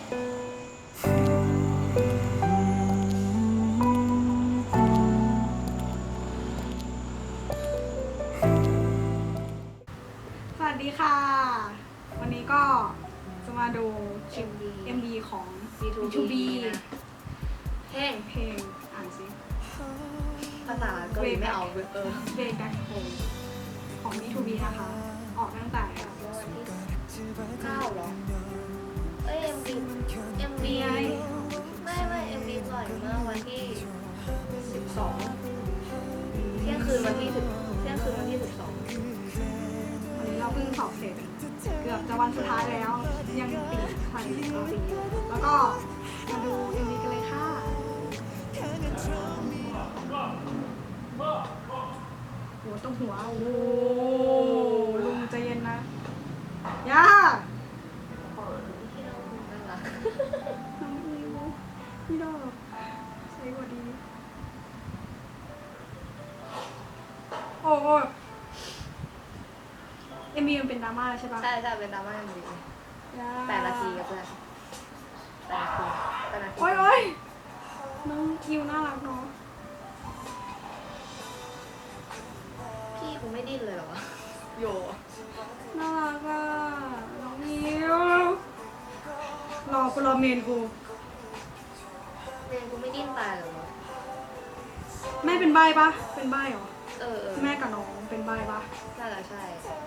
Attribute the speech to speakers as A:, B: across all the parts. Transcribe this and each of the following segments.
A: สวัสดีค่ะวันนี้ก็จะมาดูคลิป MV ของ B2B
B: เพลง
A: อ่านสิ
B: ภาษาเกาหลีไม่เอาเลย
A: Way Back Home ของ B2B นะคะ ออกตั้งแต่
B: วันที่9หรอMV
A: ไง
B: ไม่ MV ปล่อยเมื่อวันที่12เที่ยงคืนวันที่12
A: วันนี้เราเพิ่งสอบเสร็จเกือบจะวันสุดท้ายแล้วยังติดพันอยู่แล้วก็มาดู MV กันเลยค่ะหัวต้องหัวโอ้โหลุงใจเย็นนะย่าน้องอิวพี่ดอกใส่กว่าดีโอ้โหMV มันเป็นดราม่าใช่ปะ
B: ใช่เป็นดราม่า MV 8 นาทีกับเพื่อน8 นาที
A: โอ้ยน้องอิวน่ารักเนาะ
B: พี่กูไม่ดิ้นเลยเหรอวะโย
A: น่ารักอ่ะน้องอิวรอเมนกู
B: ไม่ดิ้นตายเหรอวะ
A: แม่เป็นใบ้ปะเป็นใบ้เหรอแม่กับน้องเป็นใบ้ปะ
B: น่าจะใช่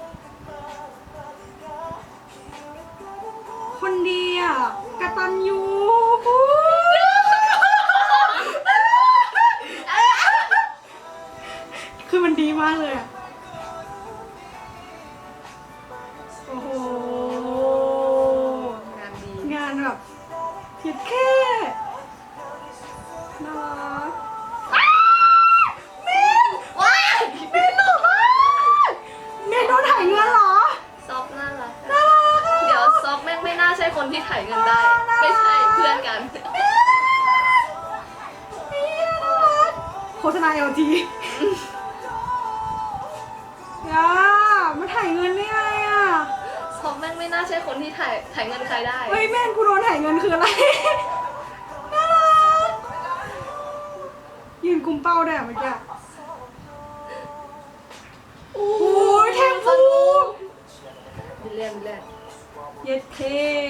A: คนดีอ่ะกตัญญูคือมันดีมากเลยอ่ะโอ้โห
B: งานดี
A: งานแบบคิดแค่น่ารักเมนหล่อมากเมนโดนถ่ายเงินเหรอ
B: ซอฟน่ารักเดี๋ยวซอฟแม่งไม่น่าใช่คนที่ถ่ายเงินได้ ไม่ใช่เพื่อนกัน
A: โฆษณา LG ย่ามาถ่ายเงินได้ไงอ่ะ
B: ซอฟแม่งไม่น่าใช่คนที่ถ่ายเงินใครได้
A: เฮ้ยแม่งกูโดนถ่ายเงินคืออะไรน่ารักยืนกุมเป้าได้เมื่อกี้โอ้ยแทงฟู
B: เล่น
A: เย็ดเค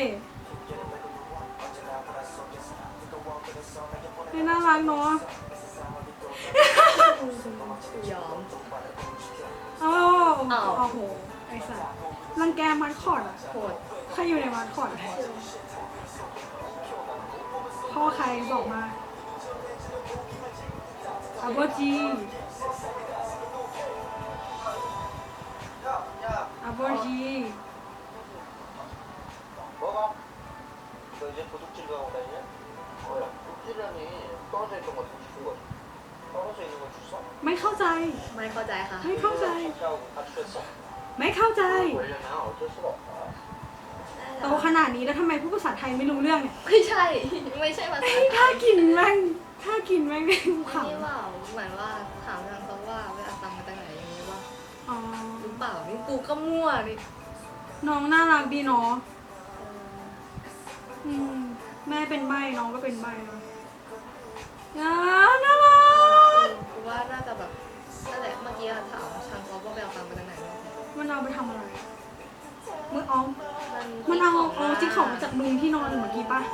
A: ไม่น่ารักเนาะ
B: ยอม
A: โอ้โหไอ้สัสรังแกมัดคอร์ดอ่ะ
B: โหด
A: ใครอยู่ในมัดคอร์ดพ่อใครบอกมาอาโบจี
C: 뭐가? 너 이제 도둑질 가고 다니냐? 뭐야? 도둑질이라니 떨어져 있던 거 주는 거지. 떨어져 있는 거 줬어?
A: ไม่เข้าใจ
B: ไม่เข้าใจค่ะ
A: ไม่เข้าใจ
C: 하고 다 주셨어?
A: ไม่เข้าใจ
C: 원래나 어쩔 수가 없다.
A: โตขนาดนี้แล้วทำไมพูดภาษาไทยไม่รู้เรื่องเนี่ย
B: ไม่ใช่ภาษา
A: ถ้ากินแม่งขำ
B: นี่ว่าเหมือนว่าถามทางเขาว่าไปเอาตังค์มาจากไหนอย่างนี้ว่า
A: อ๋อ
B: หรือเปล่านี่กูก็มั่วดิ
A: น้องน่ารักดีเนาะแม่เป็นใบน้องก็เป็นใบเนาะน่ารัก
B: กูว่าน่าจะแบบนั่นแหละเมื่อกี้ถามทางเขาว่าไปเอาตังค์มาจากไหน
A: มันเอาไปทำอะไรมันเอาจิ๊กของมาจากลุงที่นอนเมื่อกี้ปะ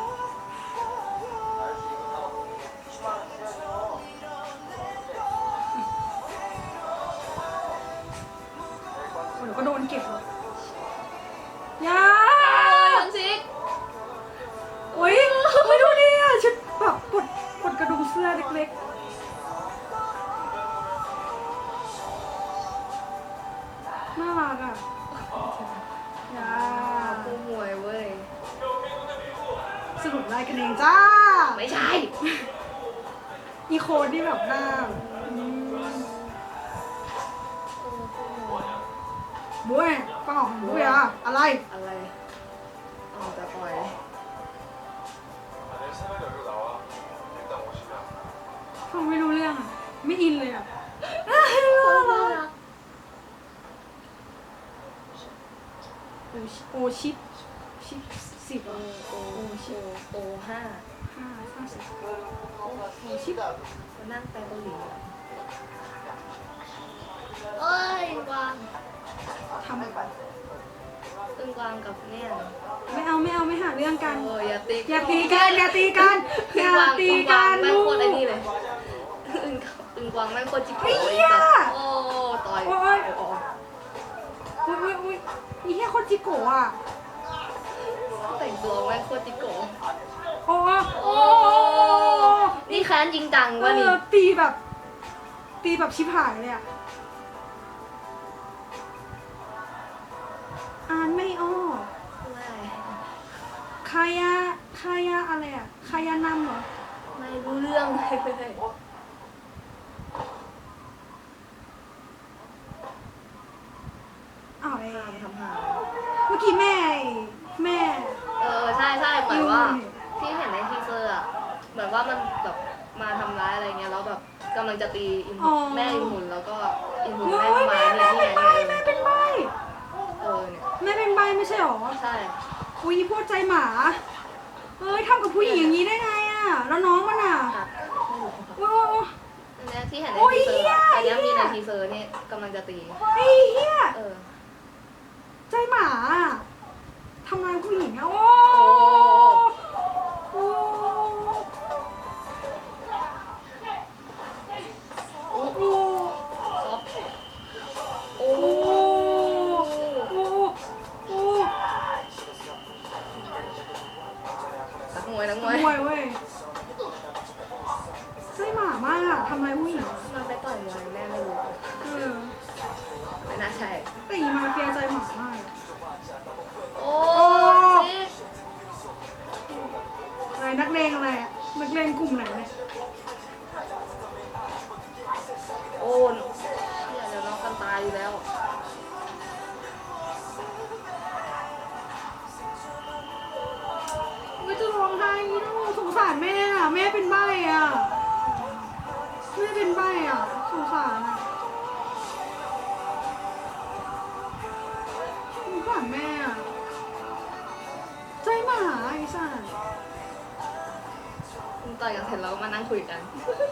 A: เดี๋ยวก็โดนเก็บเลยย่า
B: ซิก
A: โอ้ยไม่ดูดิอ่ะชุดแบบปลดกระดุมเสื้อเล็กๆน่ารักอ่ะย่า
B: กูมวยเว้ย
A: สรุปได้กันเองจ้า
B: ไม่ใช่
A: อีโคดที่แบบหน้าบุ้ยฟังออกบุ้ยอะอะไร
B: จะปล่อย
A: ฟังไม่รู้เรื่องอ่ะไม่อินเลยอ่ะโอชิป10โอชิป
B: มานั่งไปเกาหลีเอ้ยกวาง
A: ทำ
B: ตึงกวางกับเนี่ย
A: ไม่เอาไม่หาเรื่องกัน
B: โอ้ยอย่าตี
A: อย่าตีกันอย่าตีกันอย่าตีกัน
B: ไม่
A: ลู
B: โค
A: ก
B: ตรไอ้นี่เลยตึงกวางไม่โคตรจิ๋ว
A: ไอ้เหี้ย
B: โอ้ต่อย
A: โอ้ยอุ้ยอีเหี้ยคนจิโกะอ่ะ
B: แต่งตัวไม่โคตรจิ๋ว
A: โอ้โอ้
B: นี่แค้นจริงจังวะนี่
A: ตีแบบชิบหายเลยอ่ะอ่านไม่ออก
B: ไม่
A: คายาอะไรอ่ะคายานำเหรอ
B: ไม่รู้เรื่องเลย
A: อ้าวไอ้
B: ทำหา
A: เมื่อกี้แม่
B: ใช่เหมือนว่าที่เห็นในทีเซอร์อะเหมือนว่ามันแบบมาทำร้ายอะไรเงี้ยแล้วแบบกำลังจะตีอินแม่อินหุนแล้วก็อินหุน
A: โอ้
B: แม่
A: ย
B: ทำร้าย
A: แม่
B: เนี่ย
A: เป็น
B: ที่
A: ใบ
B: ไหน
A: เนี่ย
B: เนี่ย
A: แม่เป็นใบไม่ใช่หรอ
B: ใช่
A: อุ้ยพวกใจหมาเอ้ยทำกับผู้หญิงอย่างนี้ได้ไงอ่ะแล้วน้องมันอ่ะ
B: ครับไม่รู้
A: โอ้ย
B: อันเนี้ยที่เห็นใน
A: โอ้ย
B: ทีเซอร์
A: เหี้ย
B: อันเนี้ยมีในทีเซอร์นี่กำลังจะตี
A: ไอ้เหี้ย
B: เออ
A: ใจหมาทำงานผู้หญิงอ่ะโอ้โอ้
B: โอ้
A: โอ้
B: ซอฟโอ้
A: โอ้โอ้
B: นักมวย
A: มวยเว้ยใจหมามากอะทำอะไรผู้หญิง
B: มันไปต่อยมวยแม่ไม่รู้
A: เออ
B: ไม่น่าใช่
A: แต่อีมาเฟียใจหมามากอะ
B: โอ้ซิก
A: อะไรนักเลงอะไรอะนักเลงกลุ่มไหนเนี่ย
B: โอ้เดี๋ยวน้องกันตายอยู่แล้ว
A: ไม่จะร้องไห้อีโน่สงสารแม่อะแม่เป็นใบ้อะแม่เป็นใบ้อะสงสารอะสงสารแม่อะใจหมาไอ้สัส
B: ต่อยกันเสร็จแล้วก็มานั่งคุยกัน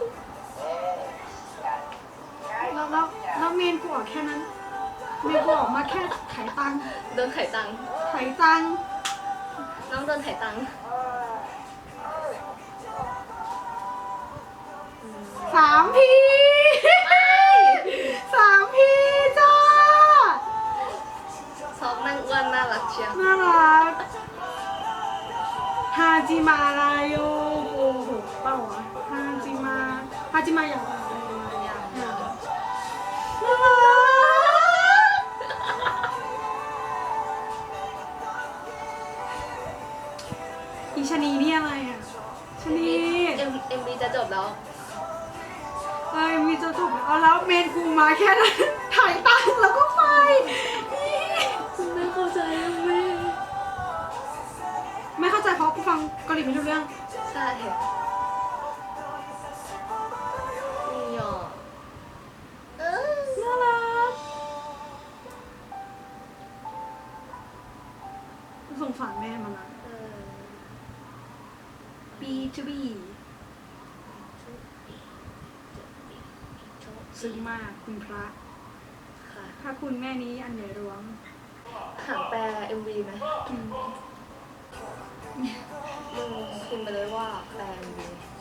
A: แล้วเมนกูออกแค่นั้นเมนกูออกมาแค่ไขตังค์
B: เดินไถ่ตังค์
A: ไขตังค์
B: น้องเดินไถ่ตังค์
A: 3 พี3 พีจ้า
B: ซอฟนั่งอ้วนน่ารักเชียว
A: น่ารักฮาจิมาลายโยโอ้โหเปล่าวะฮาจิมาอย่างไรน่ารักอีชะนีนี่อะไรอ่ะชะนี
B: เอ็มบีจะจบแล้ว
A: มีจะจบเอาแล้วเมนกูมาแค่นั้นถ่ายตังค์แล้วก็ไป
B: ไม่เข้าใจแม่
A: ไม่เข้าใจเพราะกูฟังเกาหลีไม่รู้เรื่อง
B: ใช่นี่อ่ะ
A: น่ารักสงสารแม่มันนะ B to B ซึ้งมากคุณพระ
B: ค่ะ
A: ถ้าคุณแม่นี้อันใหญ่หลวง
B: หางแปล MV ไหม
A: อืม
B: มึงพิมพ์ไปเลยว่าแปล MV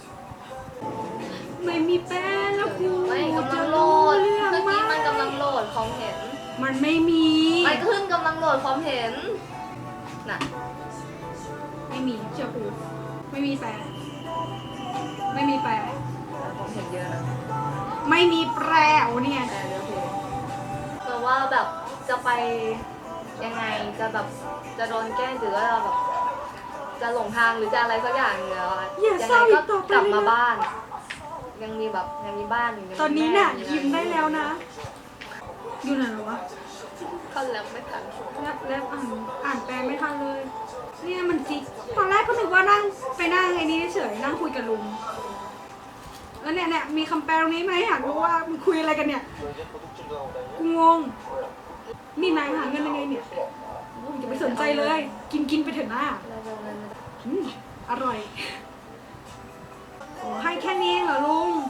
A: ไม่มีแป้งแล้วกู
B: ไม่กำลังโหลด
A: เรื่อง
B: เมื่อ
A: มา
B: กี้
A: ก
B: มันกำลังโหลดความเห็น
A: มันไม่มี
B: มันขึ้นกำลังโหลดความเห็น น่ะ
A: ไม่มีเชื่อกูไม่มีแปลไม่มีแปล
B: ความเห็นเยอะนะ
A: ไม่มีแปลโอ้เนี่ย
B: แปลเยอะเพลงแต่ว่าแบบจะไปยังไงจะแบบจะโดนแกล้งหรือว่าแบบจะหลงทางหรือจะอะไรสักอย่างเนี่ย
A: อย่า
B: ยั
A: เศร้า
B: ไง
A: อี
B: ก็
A: กต่อไป
B: กลับ
A: เลย
B: มา
A: นะ
B: บ้าน ยังมีแบบยังมีบ้านอยู่
A: ตอนนี้น่ะ
B: มี
A: ยิ้มได้แล้วนะ อยู่ไหนวะ
B: ท่อนแล้วไม่ทัน
A: แลบอ่านแปลไม่ทันเลย เนี่ยมันจิกตอนแรกก็นึกว่านั่งไปนั่งไอ้นี่เฉยนั่งคุยกับลุงแล้วเนี่ยมีคำแปลตรงนี้ไหมอยากรู้ว่ามันคุยอะไรกันเนี่ย
C: 너 이제 도둑질도 하고 다니냐?
A: กูงง
C: 뭐야?
A: นี่นายหาเงินยังไงเนี่ยโอ้ยอย่าไปสนใจเลย กินไปเถอะหน้า
B: แล้วเงิน
A: อืมออร่อยโอ้ให้แค่นี้เองเหรอลุง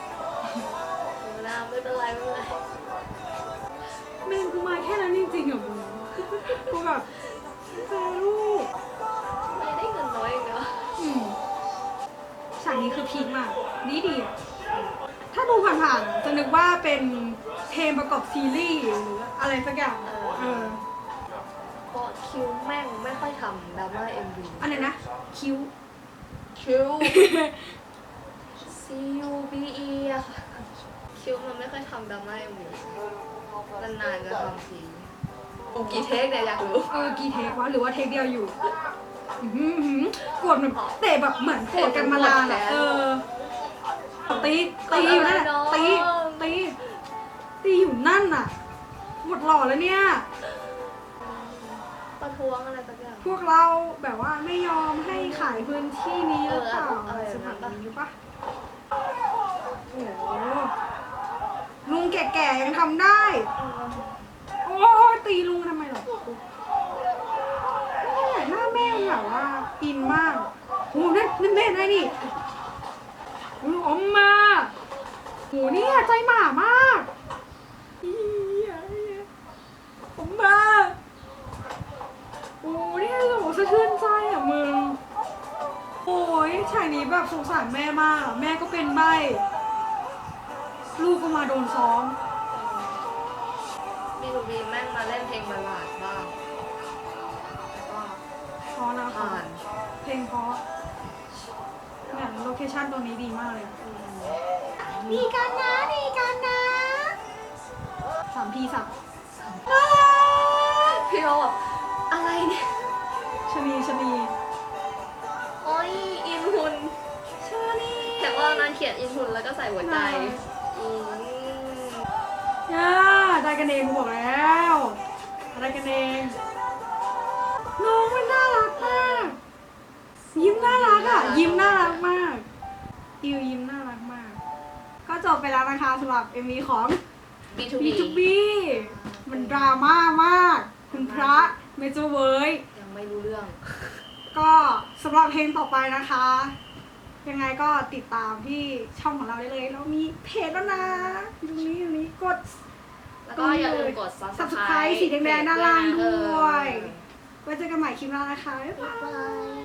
B: ไม่เป็นไรไม่เป็นไร
A: เมนกูมาแค่นั้นจริงๆเหรอมึงกูแบบแฟลูก
B: ไม่ได้เงินน้อยเองเนาะ
A: ฉากนี้คือพีคมากดีอะถ้าดูผ่านๆจะนึกว่าเป็นเพลงประกอบซีรีส์หรืออะไรสักอย่างเออ
B: เพราะคิวแม่งไม่ค่อยทำดราม่า MV
A: อันไหนนะคิ้ว
B: คิว CUBE อะค่ะคิวมันไม่ค่อยทำดราม่า MV นานๆจะทำทีโอ้กี่เทคเนี่ยอยากรู้
A: กี่เทควะหรือว่าเทคเดียวอยู่โกรธแบบเตะแบบเหมือนโกรธกันมานานอะตีอยู่นั่นน่ะตีอยู่นั่นน่ะหมดหล่อแล้วเนี่ย
B: ประท้วงอะไรสักอย่าง
A: พวกเราแบบว่าไม่ยอมให้ขายพื้นที่นี้หรือเปล่า
B: ส
A: ส
B: มั
A: มั
B: ย
A: ย
B: นี้
A: นี้ปะโอ้โหลุงแก่ๆยังทำได้ โอ้ยตีลุงทำไมหรอเนี่ยหน้าแม่มันแบบว่าอินมากโอ้นั่นแม่ได้นี่อมมาโหเนี่ยใจหมามากอมมาโอ้เนี่ยโหสะเทือนใจอ่ะมึงโอ้ยฉากนี้แบบสงสารแม่มากแม่ก็เป็นใบ้ลูกก็มาโดนซ้อม
B: B2B แม่งมาเล่นเพลงบัลลาดบ้างแล้วก็
A: เพราะนะ
B: ผ่า
A: คะ
B: น
A: เพลงเพราะเนี่ยโลเคชั่นตรงนี้ดีมากเลยดีกันนะ3P สับ
B: พี่โรแบบอะไรเนี่ย
A: ชะนี
B: โอ้ยอินหุ่น
A: ชะนี
B: แต่ว่านางเขียนอินหุ่นแล้วก็ใส่หัวใจอืม
A: ย่าได้กันเองกูบอกแล้วได้กันเองน้องมันน่ารักมากยิ้มน่ารักอ่ะยิ้มน่ารักมากอิวยิ้มน่ารักมาก ก็จบไปแล้วนะคะสำหรับ MV ของ
B: B2B
A: B2B มันดราม่ามาก คุณพระเมเจอร์เวิร์ย
B: ยังไม่รู้เรื่อง
A: ก็สำหรับเพลงต่อไปนะคะ ยังไงก็ติดตามที่ช่องของเราได้เลย เรามีเพจแล้วนะอยู่ตรงนี้กด
B: แล้วก็อย่าลืมกด
A: Subscribe สีแดงๆด้านล่างด้วย
B: เออ
A: ไว้เจอกันใหม่คลิปหน้านะคะ บ๊ายบาย
B: บ๊ายบาย